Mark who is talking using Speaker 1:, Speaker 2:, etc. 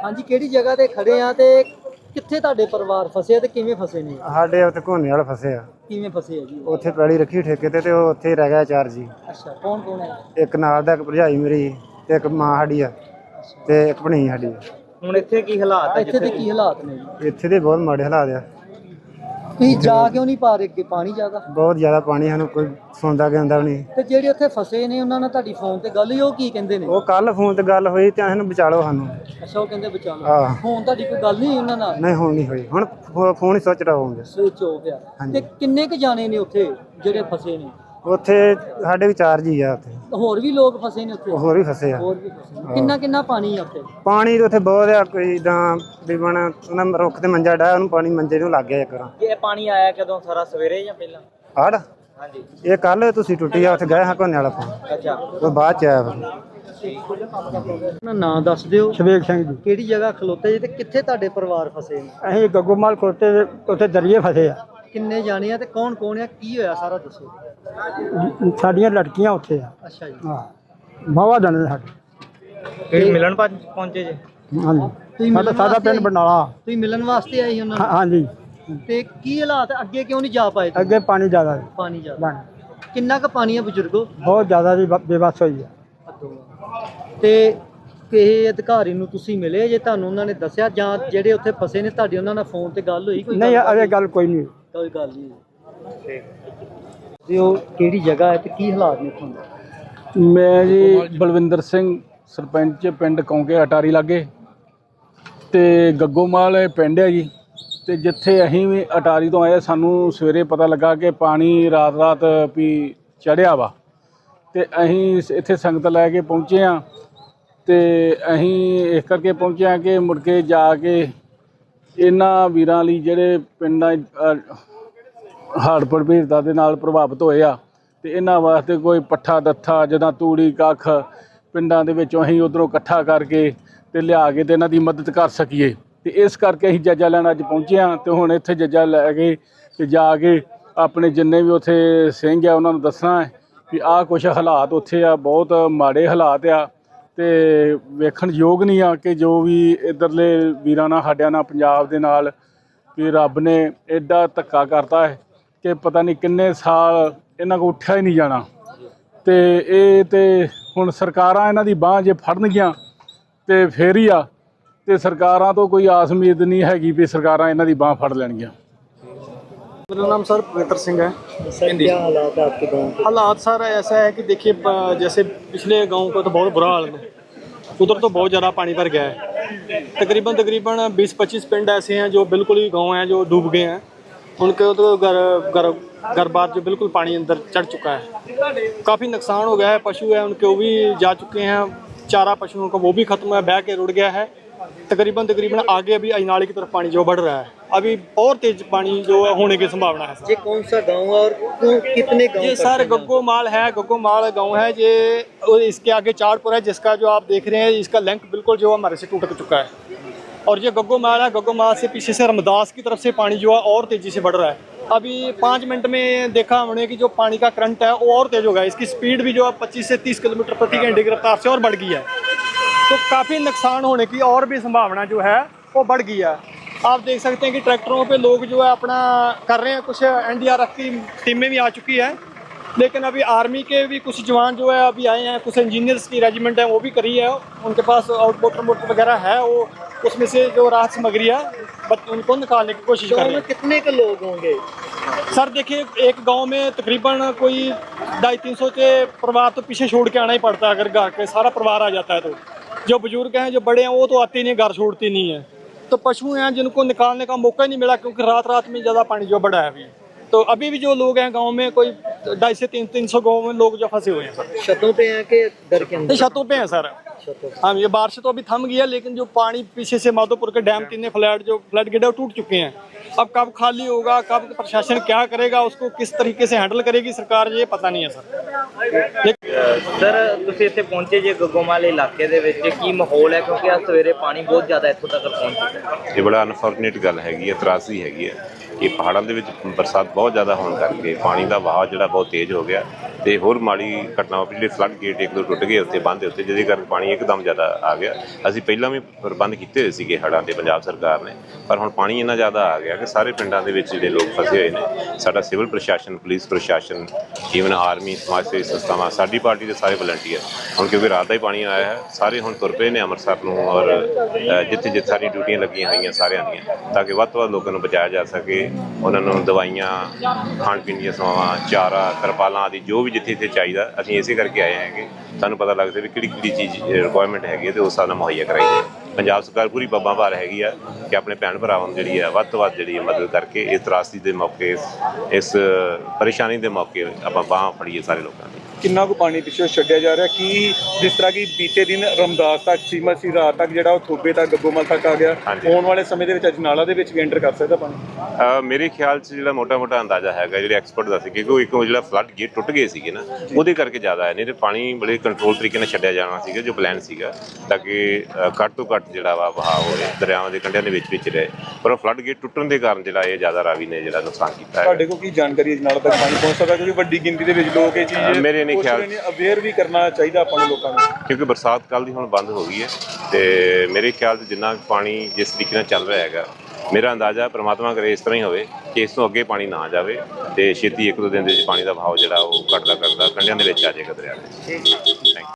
Speaker 1: हाँ जी, किहड़ी जगह ते खड़े आ ते कित्थे तुहाडे परिवार फसे आ ते किवें फसे ने?
Speaker 2: ਸਾਡੇ ਉੱਥੇ ਘੋਨੇ ਵਾਲੇ ਫਸੇ ਆ।
Speaker 1: किवें फसे आ जी?
Speaker 2: ਉੱਥੇ ਪੈਲੀ ਰੱਖੀ ਠੇਕੇ ਤੇ ਉਹ ਉੱਥੇ ਹੀ ਰਹਿ ਗਿਆ 4 ਜੀ।
Speaker 1: अच्छा, कौन कौन है?
Speaker 2: ਇੱਕ ਨਾਲ ਦਾ, ਇੱਕ ਭਰਜਾਈ ਮੇਰੀ ਤੇ ਇੱਕ ਮਾਂ ਸਾਡੀ ਆ ਤੇ ਇੱਕ ਭਣੀ ਸਾਡੀ ਆ।
Speaker 3: ਹੁਣ ਇੱਥੇ ਕੀ ਹਾਲਾਤ ਹੈ?
Speaker 1: ਇੱਥੇ ਦੇ ਕੀ ਹਾਲਾਤ ਨੇ ਜੀ?
Speaker 2: ਇੱਥੇ ਦੇ ਬਹੁਤ ਮਾੜੇ ਹਾਲਾਤ ਆ।
Speaker 1: ਤੁਸੀਂ ਜਾ ਕਿਉਂ ਨਹੀਂ ਪਾ ਰਹੇ ਅੱਗੇ? ਪਾਣੀ ਜ਼ਿਆਦਾ
Speaker 2: ਬਹੁਤ ਜ਼ਿਆਦਾ ਪਾਣੀ, ਸਾਨੂੰ ਕੋਈ ਸੁਣਦਾ ਗਿਆਂਦਾ ਵੀ ਨਹੀਂ।
Speaker 1: ਤੇ ਜਿਹੜੇ ਉੱਥੇ ਫਸੇ ਨੇ ਉਹਨਾਂ ਨਾਲ ਤੁਹਾਡੀ ਫੋਨ ਤੇ ਗੱਲ ਹੋਈ, ਉਹ ਕੀ ਕਹਿੰਦੇ ਨੇ?
Speaker 2: ਉਹ ਕੱਲ ਫੋਨ ਤੇ ਗੱਲ ਹੋਈ ਤੇ ਸਾਨੂੰ ਬਚਾ ਲਓ ਸਾਨੂੰ।
Speaker 1: ਅੱਛਾ, ਉਹ ਕਹਿੰਦੇ ਬਚਾ ਲਓ।
Speaker 2: ਆਹ
Speaker 1: ਹੁਣ ਤੁਹਾਡੀ ਕੋਈ ਗੱਲ ਨਹੀਂ ਉਹਨਾਂ ਨਾਲ?
Speaker 2: ਨਹੀਂ, ਹੁਣ ਨਹੀਂ ਹੋਈ। ਹੁਣ ਫੋਨ ਹੀ ਸੋਚ ਰਹਾਂਗੇ।
Speaker 1: ਸਵਿਚ ਆਫ ਆ।
Speaker 2: ਹਾਂਜੀ।
Speaker 1: ਤੇ ਕਿੰਨੇ ਕ ਜਾਣੇ ਨੇ ਉੱਥੇ ਜਿਹੜੇ ਫਸੇ ਨੇ?
Speaker 2: ਉੱਥੇ ਸਾਡੇ ਵੀ 4 ਜੀ ਆ। ਉੱਥੇ
Speaker 1: ਹੋਰ ਵੀ ਲੋਕ ਫਸੇ ਨੇ ਉੱਥੇ?
Speaker 2: ਹੋਰ ਵੀ ਫਸੇ ਆ।
Speaker 1: ਹੋਰ ਵੀ ਫਸੇ ਨੇ। ਕਿੰਨਾ ਕਿੰਨਾ ਪਾਣੀ ਆ ਉੱਥੇ?
Speaker 2: ਪਾਣੀ ਤਾਂ ਉੱਥੇ ਬਹੁਤ ਆ। ਕੋਈ ਇਦਾਂ ਤਕਰੀਬਨ ਉਹਨਾਂ ਰੁੱਖ ਤੇ ਮੰਜਾ ਡਾਇਆ, ਉਹਨੂੰ ਪਾਣੀ ਮੰਜੇ ਨੂੰ ਲੱਗ ਗਿਆ ਇੱਕ ਵਾਰ।
Speaker 3: ਇਹ ਪਾਣੀ ਆਇਆ ਕਦੋਂ? ਸਾਰਾ ਸਵੇਰੇ ਜਾਂ ਪਹਿਲਾਂ?
Speaker 2: ਹੜ
Speaker 3: ਹਾਂਜੀ।
Speaker 2: ਇਹ ਕੱਲ ਤੁਸੀਂ ਟੁੱਟੀ ਆ, ਉੱਥੇ ਗਏ ਹਾਂ ਘੋਨੇ ਵਾਲਾ ਪਾਣੀ।
Speaker 3: ਅੱਛਾ,
Speaker 2: ਉਹ ਬਾਅਦ ਚ ਆਇਆ ਫਿਰ।
Speaker 1: ਆਪਣਾ ਨਾਂ ਦੱਸ ਦਿਓ।
Speaker 4: ਸ਼ਵੇਕ ਸਿੰਘ ਜੀ।
Speaker 1: ਕਿਹੜੀ ਜਗ੍ਹਾ ਖਲੋਤੇ ਜੀ ਤੇ ਕਿੱਥੇ ਤੁਹਾਡੇ ਪਰਿਵਾਰ ਫਸੇ ਨੇ?
Speaker 4: ਅਸੀਂ ਗੱਗੋਮਾਲ ਖੋਤੇ ਉੱਥੇ ਦਰਿਏ ਫਸੇ ਆ।
Speaker 1: ਕਿੰਨੇ ਜਾਣੇ ਆ ਤੇ ਕੌਣ ਕੌਣ ਆ? ਕੀ ਹੋਇਆ ਸਾਰਾ ਦੱਸੋ।
Speaker 4: ਸਾਡੀਆਂ ਲੜਕੀਆਂ ਉੱਥੇ ਆ।
Speaker 1: ਅੱਛਾ ਜੀ।
Speaker 4: ਹਾਂ, ਵਾਹਵਾ ਜਾਣੇ ਸਾਡੇ।
Speaker 3: ਫਿਰ ਮਿਲਣ ਪਹੁੰਚੇ ਜੇ?
Speaker 4: ਹਾਂਜੀ,
Speaker 1: ਤੁਸੀਂ
Speaker 4: ਸਾਡਾ
Speaker 1: ਮਿਲਣ
Speaker 4: ਸਾਡਾ
Speaker 1: ਵਾਸਤੇ
Speaker 4: ਪਿੰਡ
Speaker 1: ਆਏ?
Speaker 4: ਬਰਨਾਲਾ।
Speaker 1: ਤੁਸੀਂ ਮਿਲਣ ਵਾਸਤੇ ਆਏ ਸੀ ਉਹਨਾਂ ਨੂੰ?
Speaker 4: ਹਾਂਜੀ,
Speaker 1: ਤੇ ਕੀ ਹਾਲਾਤ ਅੱਗੇ ਕਿਉਂ ਨਹੀਂ ਜਾ ਪਾਏ ਤੁਸੀਂ?
Speaker 4: ਅੱਗੇ ਪਾਣੀ ਜ਼ਿਆਦਾ ਸੀ।
Speaker 1: ਪਾਣੀ ਜ਼ਿਆਦਾ।
Speaker 4: ਬਣ
Speaker 1: ਕਿੰਨਾ ਕੁ ਪਾਣੀ ਆ ਬਜ਼ੁਰਗੋ?
Speaker 4: ਬਹੁਤ ਜ਼ਿਆਦਾ ਜੀ, ਬੇਬਸ ਹੋਈ ਆ।
Speaker 1: ਤੇ ਕਿਸੇ ਅਧਿਕਾਰੀ ਨੂੰ ਤੁਸੀਂ ਮਿਲੇ ਜੇ? ਤੁਹਾਨੂੰ ਉਹਨਾਂ ਨੇ ਦੱਸਿਆ ਜਾਂ ਜਿਹੜੇ ਉੱਥੇ ਫਸੇ ਨੇ ਤੁਹਾਡੀ ਉਹਨਾਂ ਨਾਲ ਫੋਨ ਤੇ ਗੱਲ ਹੋਈ? ਕੋਈ
Speaker 4: ਨਹੀਂ,
Speaker 1: ਗੱਲਬਾਤ
Speaker 4: ਅਜੇ ਗੱਲ ਕੋਈ ਨਹੀਂ।
Speaker 1: ਕੋਈ ਗੱਲ ਨਹੀਂ। ਤੇ ਉਹ ਕਿਹੜੀ ਜਗ੍ਹਾ ਹੈ ਤੇ ਕੀ ਹਾਲਾਤ ਨੇ ਤੁਹਾਨੂੰ?
Speaker 5: ਮੈਂ ਜੀ ਬਲਵਿੰਦਰ ਸਿੰਘ, ਸਰਪੰਚ ਪਿੰਡ ਕੌਂਕੇ ਅਟਾਰੀ ਲਾਗੇ ਤੇ ਗੱਗੋਮਾਲ ਇਹ ਪਿੰਡ ਹੈ ਜੀ। ਤੇ ਜਿੱਥੇ ਅਸੀਂ ਵੀ ਅਟਾਰੀ ਤੋਂ ਆਏ, ਸਾਨੂੰ ਸਵੇਰੇ ਪਤਾ ਲੱਗਾ ਕਿ ਪਾਣੀ ਰਾਤ ਵੀ ਚੜ੍ਹਿਆ ਵਾ ਤੇ ਅਸੀਂ ਇੱਥੇ ਸੰਗਤ ਲੈ ਕੇ ਪਹੁੰਚੇ ਹਾਂ। ਤੇ ਅਸੀਂ ਇਸ ਕਰਕੇ ਪਹੁੰਚੇ ਹਾਂ ਕਿ ਮੁੜ ਕੇ ਜਾ ਕੇ ਇਹਨਾਂ ਵੀਰਾਂ ਲਈ ਜਿਹੜੇ ਪਿੰਡਾਂ ਹੜ੍ਹ ਪ੍ਰਭਾਵਿਤਾਂ ਦੇ ਨਾਲ ਪ੍ਰਭਾਵਿਤ ਹੋਏ ਆ ਤੇ ਇਹਨਾਂ ਵਾਸਤੇ ਕੋਈ ਪੱਠਾ ਦੱਥਾ ਜਿੱਦਾਂ ਤੂੜੀ ਕੱਖ ਪਿੰਡਾਂ ਦੇ ਵਿੱਚੋਂ ਅਸੀਂ ਉੱਧਰੋਂ ਇਕੱਠਾ ਕਰਕੇ ਤੇ ਲਿਆ ਕੇ ਤੇ ਇਹਨਾਂ ਦੀ ਮਦਦ ਕਰ ਸਕੀਏ। ਤੇ ਇਸ ਕਰਕੇ ਅਸੀਂ ਜੱਜਾ ਲੈਣ ਅੱਜ ਪਹੁੰਚੇ ਹਾਂ। ਤੇ ਹੁਣ ਇੱਥੇ ਜੱਜਾ ਲੈ ਕੇ ਤੇ ਜਾ ਕੇ ਆਪਣੇ ਜਿੰਨੇ ਵੀ ਉੱਥੇ ਸਿੰਘ ਆ ਉਹਨਾਂ ਨੂੰ ਦੱਸਣਾ ਹੈ ਵੀ ਆਹ ਕੁਛ ਹਾਲਾਤ ਉੱਥੇ ਆ, ਬਹੁਤ ਮਾੜੇ ਹਾਲਾਤ ਆ ਤੇ ਵੇਖਣ ਯੋਗ ਨਹੀਂ ਆ ਕਿ ਜੋ ਵੀ ਇੱਧਰਲੇ ਵੀਰਾਂ ਨਾਲ ਸਾਡਿਆਂ ਨਾਲ ਪੰਜਾਬ ਦੇ ਨਾਲ ਕਿ ਰੱਬ ਨੇ ਐਡਾ ਧੱਕਾ ਕਰਤਾ ਹੈ ਕਿ ਪਤਾ ਨਹੀਂ ਕਿੰਨੇ ਸਾਲ ਇਹਨਾਂ ਕੋਲ ਉੱਠਿਆ ਹੀ ਨਹੀਂ ਜਾਣਾ। ਤੇ ਇਹ ਤੇ ਹੁਣ ਸਰਕਾਰਾਂ ਇਹਨਾਂ ਦੀ ਬਾਂਹ ਜੇ ਫੜਨਗੀਆਂ ਤੇ ਫੇਰ ਹੀ ਆ। ਤੇ ਸਰਕਾਰਾਂ ਤੋਂ ਕੋਈ ਆਸ ਉਮੀਦ नहीं हैगी भी सरकारां इन्हां दी बांह फड़ लैणगीਆਂ।
Speaker 6: मेरा नाम सर पवित्र सिंह है।
Speaker 1: सर, क्या हालात है आपके गाँव के?
Speaker 6: हालात सर ऐसा है कि देखिए, जैसे पिछले गांव का तो बहुत बुरा हाल है, उधर तो बहुत ज़्यादा पानी भर गया है। तकरीबन 20-25 पिंड ऐसे हैं जो बिल्कुल ही गांव हैं जो डूब गए हैं। उनके तो घर बार जो बिल्कुल पानी अंदर चढ़ चुका है। काफ़ी नुकसान हो गया है। पशु है उनके वो भी जा चुके हैं। चारा पशुओं का वो भी ख़त्म है, बह के रुड़ गया है। तकरीबन आगे अभी अजनाले की तरफ पानी जो बढ़ रहा है, अभी और तेज पानी जो होने की संभावना है।
Speaker 1: ये कौन सा गांव है और कितने गांव?
Speaker 6: ये सर गग्गोमाल है, गग्गोमाल गांव है ये। और इसके आगे चाड़पुर है जिसका जो आप देख रहे हैं, इसका लिंक बिल्कुल जो हमारे से टूट चुका है। और ये गग्गोमाल है, गग्गोमाल से पीछे से रमदास की तरफ से पानी जो है और तेज़ी से बढ़ रहा है। अभी 5 मिनट में देखा हमने कि जो पानी का करंट है वो और तेज़ हो गया। इसकी स्पीड भी जो है 25 से 30 किलोमीटर प्रति घंटे की रफ्तार से और बढ़ गई है। तो काफ़ी नुकसान होने की और भी संभावना जो है वो बढ़ गई है। आप देख सकते हैं कि ट्रैक्टरों पे लोग जो है अपना कर रहे हैं। कुछ NDRF की टीमें भी आ चुकी है, लेकिन अभी आर्मी के भी कुछ जवान जो है अभी आए हैं। कुछ इंजीनियर्स की रेजिमेंट है वो भी करी है। उनके पास आउटबोटर मोटर वगैरह है, वो उसमें से जो राहत सामग्री है उनको निकालने की कोशिश कर रहे हैं।
Speaker 1: कितने के लोग होंगे
Speaker 6: सर? देखिए, एक गांव में तकरीबन कोई 250-300 के परिवार तो पीछे छोड़ के आना ही पड़ता है। अगर घर के सारा परिवार आ जाता है तो जो बुजुर्ग हैं, जो बड़े हैं, वो तो आते नहीं, घर छोड़ते नहीं हैं। तो पशु हैं जिनको निकालने का मौका ही नहीं मिला क्योंकि रात में ज़्यादा पानी जो बढ़ा है अभी। तो अभी भी जो लोग हैं गांव में, कोई 250 से 300 गाँव में लोग जो फंसे हुए हैं सर।
Speaker 1: छतों पे हैं कि दर के अंदर?
Speaker 6: छतों पे हैं सर। हाँ, ये बारिश तो अभी थम गई है, लेकिन जो पानी पीछे से माधोपुर के डैम 3 फ्लड गेट टूट चुके हैं। अब कब खाली होगा, कब प्रशासन क्या करेगा, उसको किस तरीके से हैंडल करेगी सरकार, ये पता नहीं है सर।
Speaker 3: सर ਤੁਸੀਂ ਇੱਥੇ ਪਹੁੰਚੇ ਜੇ ਗੱਗੋਮਾਲ ਇਲਾਕੇ ਦੇ ਵਿੱਚ ਕੀ ਮਾਹੌਲ ਹੈ? ਕਿਉਂਕਿ ਅੱਜ ਸਵੇਰੇ ਪਾਣੀ ਬਹੁਤ ਜ਼ਿਆਦਾ ਇੱਥੋਂ ਤੱਕ ਪਹੁੰਚ ਚੁੱਕਾ ਹੈ।
Speaker 7: ਇਹ ਬੜਾ ਅਨਫੋਰਚੂਨੇਟ ਗੱਲ ਹੈਗੀ ਹੈ, ਤਰਾਸਦੀ ਹੈਗੀ ਹੈ ਕਿ ਪਹਾੜਾਂ ਦੇ ਵਿੱਚ ਬਰਸਾਤ ਬਹੁਤ ਜ਼ਿਆਦਾ ਹੋਣ ਕਰਕੇ ਪਾਣੀ ਦਾ ਵਹਾਅ ਜਿਹੜਾ ਬਹੁਤ ਤੇਜ਼ ਹੋ ਗਿਆ ਤੇ ਹੋਰ ਮਾੜੀ ਘਟਨਾ ਵਾਪਰੀ, ਜਿਹੜੇ ਫਲੱਡ ਗੇਟ ਇੱਕ ਦੋ ਟੁੱਟ ਗਏ ਉੱਥੇ ਬੰਦ ਦੇ ਉੱਤੇ, ਜਿਹਦੇ ਕਾਰਨ ਪਾਣੀ ਇੱਕਦਮ ਜ਼ਿਆਦਾ ਆ ਗਿਆ। ਅਸੀਂ ਪਹਿਲਾਂ ਵੀ ਪ੍ਰਬੰਧ ਕੀਤੇ ਹੋਏ ਸੀਗੇ ਹੜ੍ਹਾਂ ਦੇ ਪੰਜਾਬ ਸਰਕਾਰ ਨੇ, ਪਰ ਹੁਣ ਪਾਣੀ ਇੰਨਾ ਜ਼ਿਆਦਾ ਆ ਗਿਆ ਕਿ ਸਾਰੇ ਪਿੰਡਾਂ ਦੇ ਵਿੱਚ ਜਿਹੜੇ ਲੋਕ ਫਸੇ ਹੋਏ ਨੇ। ਸਾਡਾ ਸਿਵਲ ਪ੍ਰਸ਼ਾਸਨ, ਪੁਲਿਸ ਪ੍ਰਸ਼ਾਸਨ, ਈਵਨ ਆਰਮੀ, ਸਮਾਜ ਸੇਵੀ ਸੰਸਥਾਵਾਂ, ਸਾਡੀ ਪਾਰਟੀ ਦੇ ਸਾਰੇ ਵਲੰਟੀਅਰ, ਹੁਣ ਕਿਉਂਕਿ ਰਾਤ ਦਾ ਹੀ ਪਾਣੀ ਆਇਆ ਹੈ, ਸਾਰੇ ਹੁਣ ਤੁਰ ਪਏ ਨੇ ਅੰਮ੍ਰਿਤਸਰ ਨੂੰ, ਔਰ ਜਿੱਥੇ ਜਿੱਥੇ ਸਾਰੀ ਡਿਊਟੀਆਂ ਲੱਗੀਆਂ ਹੋਈਆਂ ਸਾਰਿਆਂ ਦੀਆਂ, ਤਾਂ ਕਿ ਵੱਧ ਤੋਂ ਵੱਧ ਲੋਕਾਂ ਨੂੰ ਬਚਾਇਆ ਜਾ ਸਕੇ। ਉਹਨਾਂ ਨੂੰ ਦਵਾਈਆਂ, ਖਾਣ ਪੀਣ ਦੀਆਂ ਸੇਵਾਵਾਂ, ਚਾਰਾ, ਤਰਪਾਲਾਂ ਆਦਿ ਜੋ ਵੀ ਜਿੱਥੇ ਜਿੱਥੇ ਚਾਹੀਦਾ, ਅਸੀਂ ਇਸੇ ਕਰਕੇ ਆਏ ਹਾਂ ਕਿ ਸਾਨੂੰ ਪਤਾ ਲੱਗਦਾ ਵੀ ਕਿਹੜੀ ਕਿਹੜੀ ਚੀਜ਼ ਰਿਕੁਆਇਰਮੈਂਟ ਹੈਗੀ ਹੈ ਤੇ ਉਸ ਹਿਸਾਬ ਨਾਲ ਮੁਹੱਈਆ ਕਰਾਈ ਜਾਏ। ਪੰਜਾਬ ਸਰਕਾਰ ਪੂਰੀ ਬੱਬਾਂ ਭਾਰ ਹੈਗੀ ਆ ਕਿ ਆਪਣੇ ਭੈਣ ਭਰਾਵਾਂ ਨੂੰ ਜਿਹੜੀ ਹੈ ਵੱਧ ਤੋਂ ਵੱਧ ਜਿਹੜੀ ਮਦਦ ਕਰਕੇ ਇਸ ਤਰਾਸਦੀ ਦੇ ਮੌਕੇ, ਇਸ ਪਰੇਸ਼ਾਨੀ ਦੇ ਮੌਕੇ ਆਪਾਂ ਬਾਂਹ ਫੜੀਏ ਸਾਰੇ ਲੋਕਾਂ ਦੀ।
Speaker 8: ਕਿੰਨਾ ਕੁ ਪਾਣੀ ਪਿੱਛੇ ਛੱਡਿਆ ਜਾ ਰਿਹਾ? ਕੀ ਜਿਸ ਤਰ੍ਹਾਂ ਕਿ ਬੀਤੇ ਦਿਨ ਰਮਦਾਸ ਤੱਕ ਸੀਮਾ ਸੀ, ਰਾਤ ਤੱਕ ਜਿਹੜਾ ਉਹ ਥੋਬੇ ਤੱਕ ਗੱਗੋਮਲ ਤੱਕ ਆ ਗਿਆ, ਆਉਣ ਵਾਲੇ ਸਮੇਂ ਦੇ ਵਿੱਚ ਅਜਨਾਲਾ ਦੇ ਵਿੱਚ ਵੀ ਐਂਟਰ ਕਰ ਸਕਦਾ ਪਾਣੀ?
Speaker 7: ਮੇਰੇ ਖਿਆਲ 'ਚ ਜਿਹੜਾ ਮੋਟਾ ਅੰਦਾਜ਼ਾ ਹੈਗਾ, ਜਿਹੜੇ ਐਕਸਪਰਟ ਦਾ ਸੀ, ਕਿਉਂਕਿ ਉਹ ਇੱਕੋ ਜਿਹੜਾ ਫਲੱਡ ਗੇਟ ਟੁੱਟ ਗਏ ਸੀਗੇ ਨਾ, ਉਹਦੇ ਕਰਕੇ ਜ਼ਿਆਦਾ ਹੈ। ਨਹੀਂ ਤੇ ਪਾਣੀ ਬੜੇ ਕੰਟਰੋਲ ਤਰੀਕੇ ਨਾਲ ਛੱਡਿਆ ਜਾਣਾ ਸੀਗਾ, ਜੋ ਪਲਾਨ ਸੀਗਾ, ਤਾਂ ਕਿ ਘੱਟ ਤੋਂ ਘੱਟ ਜਿਹੜਾ ਵਾ ਵਹਾਅ ਹੋਵੇ, ਦਰਿਆਵਾਂ ਦੇ ਕੰਢਿਆਂ ਦੇ ਵਿੱਚ ਰਹੇ। ਪਰ ਉਹ ਫਲੱਡ ਗੇਟ ਟੁੱਟਣ ਦੇ ਕਾਰਨ ਜਿਹੜਾ ਇਹ ਜ਼ਿਆਦਾ ਰਾਵੀ ਨੇ ਜਿਹੜਾ ਨੁਕਸਾਨ ਕੀਤਾ ਹੈ।
Speaker 8: ਤੁਹਾਡੇ ਕੋਲ ਕੀ ਜਾਣਕਾਰੀ ਅਜਨਾਲਾ ਤੱਕ ਪਾਣੀ ਪਹੁੰਚ ਸਕਦਾ? ਕਿਉਂਕਿ ਵੱਡੀ ਗਿਣਤੀ ਦੇ ਵਿੱਚ ਲੋਕ ਇਹ ਚੀਜ਼
Speaker 7: ਮੇਰੇ ਨਹੀਂ ਖਿਆਲ
Speaker 8: ਅਵੇਅਰ ਵੀ ਕਰਨਾ ਚਾਹੀਦਾ ਆਪਾਂ ਨੂੰ ਲੋਕਾਂ ਨੂੰ,
Speaker 7: ਕਿਉਂਕਿ ਬਰਸਾਤ ਕੱਲ੍ਹ ਦੀ ਹੁਣ ਬੰਦ ਹੋ ਗਈ ਹੈ, ਤੇ ਮੇਰੇ ਖਿਆਲ 'ਚ ਜਿੰਨਾ ਪਾਣੀ ਜਿਸ ਤਰੀਕੇ ਨਾਲ ਚੱਲ ਰਿਹਾ ਹੈਗਾ, ਮੇਰਾ ਅੰਦਾਜ਼ਾ ਪ੍ਰਮਾਤਮਾ ਕਰੇ ਇਸ ਤਰ੍ਹਾਂ ਹੀ ਹੋਵੇ ਕਿ ਇਸ ਤੋਂ ਅੱਗੇ ਪਾਣੀ ਨਾ ਜਾਵੇ ਤੇ ਛੇਤੀ ਇੱਕ ਦੋ ਦਿਨ ਦੇ ਵਿੱਚ ਪਾਣੀ ਦਾ ਵਹਾਅ ਜਿਹੜਾ ਉਹ ਘਟਦਾ ਕੰਢਿਆਂ ਦੇ ਵਿੱਚ ਆ ਜਾਏਗਾ ਦਰਿਆ ਦੇ। Thank you.